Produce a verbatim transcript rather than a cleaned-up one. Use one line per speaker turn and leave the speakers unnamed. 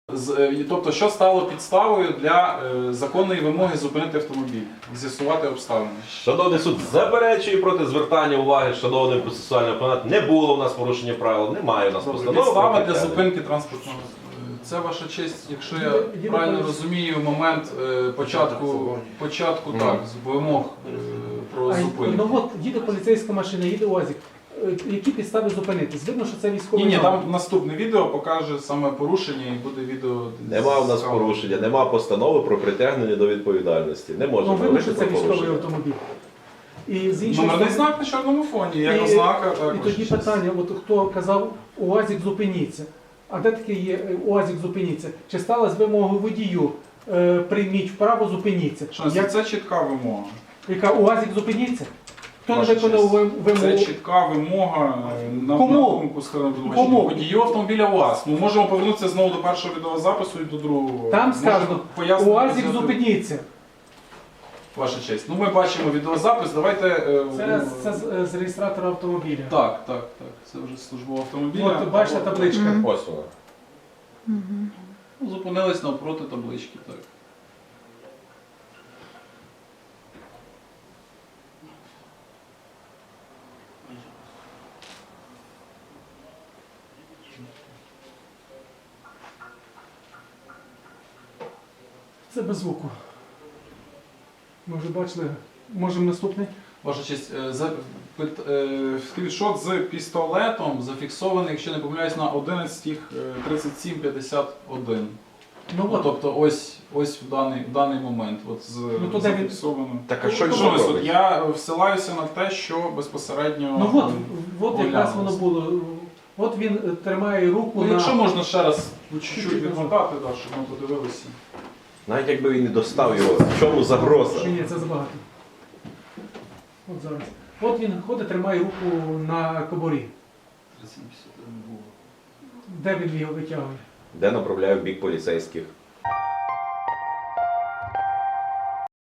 Тобто, що стало підставою для е, законної вимоги зупинити автомобіль, з'ясувати обставини?
Шановний суд заперечує проти звертання уваги шановним процесуальним опонентом. Не було у нас порушення правил, немає у нас постанови.
Підстава
про
для
притягнення.
зупинки транспортного. Це ваша честь, якщо я
Їде- їде
правильно
поліція.
розумію, момент е, початку, початку
Мгм.
так, з вимог е, про
А,
зупинку.
ну от їде поліцейська машина, їде УАЗик. Е, Які підстави зупинитись? Видно, що це військовий
Ні, ні,
номер.
там наступне відео покаже саме порушення і буде відео.
Нема у нас
з-
порушення, нема постанови про притягнення до відповідальності. Не
Ну,
можемо
видно,
говорити
що це
про
військовий
порушення.
автомобіль. І з іншої
Номерний
сторони-
знак на чорному фоні, як
І-
ознака.
І
також.
тоді питання, от хто казав УАЗик зупиніться. А де таке є е, УАЗик зупиніться? Чи стала з вимогою водію е, прийміть вправо, зупиніться?
Шановні,
Як,
Це чітка вимога.
яка УАЗик зупиніться? Хто не
Ваша
виконав
честь.
вим-
Це
вимогу?
чітка вимога е, на,
Кому?
на думку скажімо,
Кому?
водію автомобіля УАЗ. Ми можемо повернутися знову до першого відеозапису і до другого.
Там
Можемо
сказано,
пояснити
УАЗик
взяти-
зупиніться.
Ваша честь. Ну ми бачимо відеозапис, давайте... е,
Це,
ну,
це з, з реєстратора автомобіля.
Так, так, так. Це вже службова автомобіля.
От, бачите табличка.
Мгм.
Ось вона.
Ну, зупинились навпроти таблички, так.
Це без звуку. Ми вже бачили. Можемо наступний?
Ваша честь, е, за- пит- е, скріншот з пістолетом зафіксований, якщо не помиляюсь, на одинадцять тридцять сім п'ятдесят один.
Ну
Ну,
от.
тобто ось, ось в даний, в даний момент от з,
Ну, то де він-
зафіксовано.
Так а що
Ну,
він
Шановний суд,
робить?
я всилаюся на те, що безпосередньо...
Ну от, от якраз
оглянулося.
воно було. От він е, тримає руку
Ну,
на...
якщо можна ще раз ну, чуть-чуть
Чуть-чуть
відмотати, да, щоб ми подивилися.
Навіть якби він не достав його, в чому загроза?
Чи ні, це забагато. От зараз. От він ходить, тримає руку на кобурі.
тридцять сім п'ятдесят один було.
Де він його витягує?
Де направляю в бік поліцейських?